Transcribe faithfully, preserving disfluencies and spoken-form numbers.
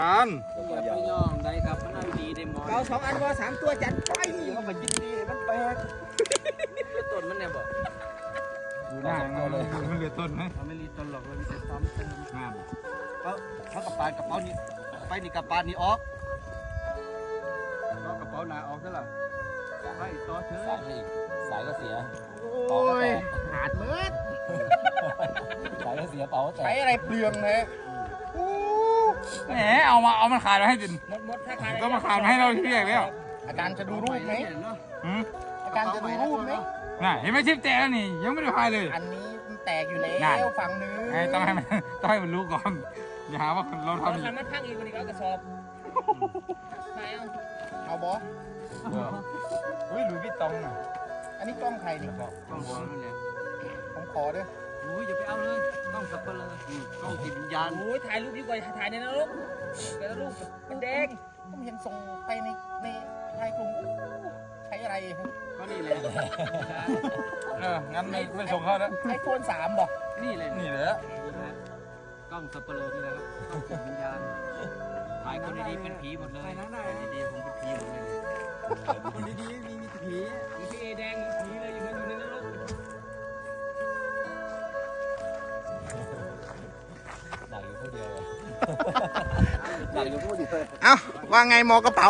อันอย่าไปย่องได้ครับมันเอาดีได้หมดเราสองอันว่าสามตัวจัดไปเขาไปยินดีมันแปลกแล้วต้นมันเนี่ยบอกดูหน้ามันเลยมันเหลือต้นไหมเขาไม่รีต้นหรอกเรามีแต่ซ้อมเติมงามเขาเขากระปานกระเป๋านี่ไปนี่กระปานนี่ออกเอากระเป๋าหนาออกซะล่ะไปต่อเถอะสายอีกสายก็เสียโอ้ยขาดเมืดสายก็เสียเป๋าแต่ใช้อะไรเปลืองเลยแหมเอามาเอามันขาดมาให้ดินหมดหมดถ้าขาดก็มาขาดมาให้เราที่แรกแล้วอาจารย์จะดูรูปไหมหืมอาจารย์จะดูรูปไหมน่ะเห็นไหมชิปแตกแล้วนี่ยังไม่ได้พายเลยอันนี้มันแตกอยู่แล้นั่นวฝั่งนึงไงต้องให้มันต้องให้มันรู้ก่อนอย่าหาว่าเราเอาทำทำมันพังอีกคนนี้เอากระสอบไม่เอาเอาบอสเฮ้ยหลุยส์วิตตองน่ะอันนี้กล้องใครนี่ต้องหัวมันเนี่ยผมขอด้วยโอ้ยอย่าไปเอาเลยต้องสับเปลือกต้องจิตวิญญาณโอ้ยถ่ายรูปดีกว่าถ่ายในนรกแต่รูปมันแดงผมเห็นส่งไปในในไทยกลุ่มใช้อะไรก็นี่แหละเอองั้นไม่ไม่ส่งเขาแล้วไอโฟนสามบอกนี่เลยนี่เหรอกล้องสับเปลือกนี่แหละครับต้องจิตวิญญาณถ่ายคนดีๆเป็นผีหมดเลยคนดีๆผมเป็นผีหมดเลยคนดีๆมีมีผีมีพี่เอแดงผีเลยอยู่อยู่ในนรกหนักอยู่ผู้เดียวเลยหนักอยู่ผู้เดียวเลยเอ้าว่าไงหมอกระเป๋า